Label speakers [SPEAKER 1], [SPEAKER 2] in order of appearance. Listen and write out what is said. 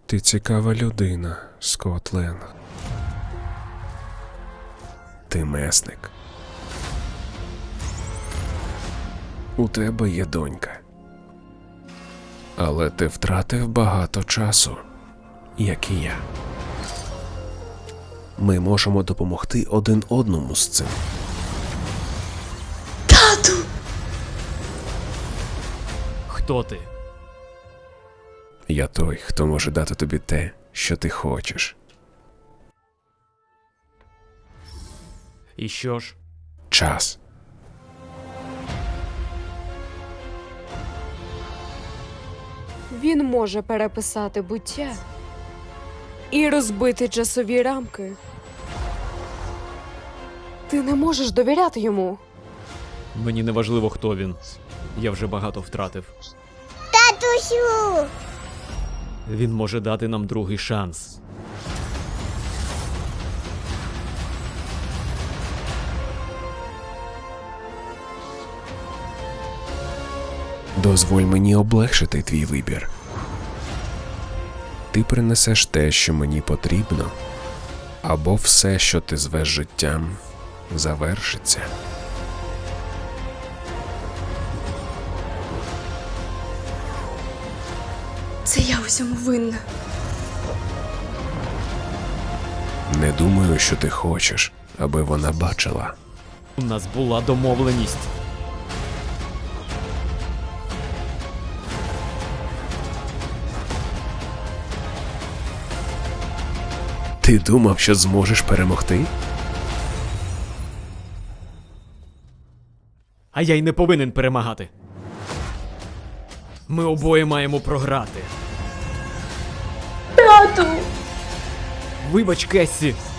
[SPEAKER 1] Ти цікава людина, Скотт Ленг. Ти месник. У тебе є донька. Але ти втратив багато часу, як і я. Ми можемо допомогти один одному з цим.
[SPEAKER 2] Тату!
[SPEAKER 3] Хто ти?
[SPEAKER 1] Я той, хто може дати тобі те, що ти хочеш.
[SPEAKER 3] І що ж?
[SPEAKER 1] Час.
[SPEAKER 2] Він може переписати буття і розбити часові рамки. Ти не можеш довіряти йому.
[SPEAKER 3] Мені не важливо, хто він. Я вже багато втратив.
[SPEAKER 4] Татусю!
[SPEAKER 3] Він може дати нам другий шанс.
[SPEAKER 1] Дозволь мені облегшити твій вибір. Ти принесеш те, що мені потрібно, або все, що ти звеш життям, завершиться.
[SPEAKER 2] Це я усьому винна.
[SPEAKER 1] Не думаю, що ти хочеш, аби вона бачила.
[SPEAKER 3] У нас була домовленість.
[SPEAKER 1] Ти думав, що зможеш перемогти?
[SPEAKER 3] А я й не повинен перемагати. Ми обоє маємо програти.
[SPEAKER 2] Тату!
[SPEAKER 3] Вибач, Кессі.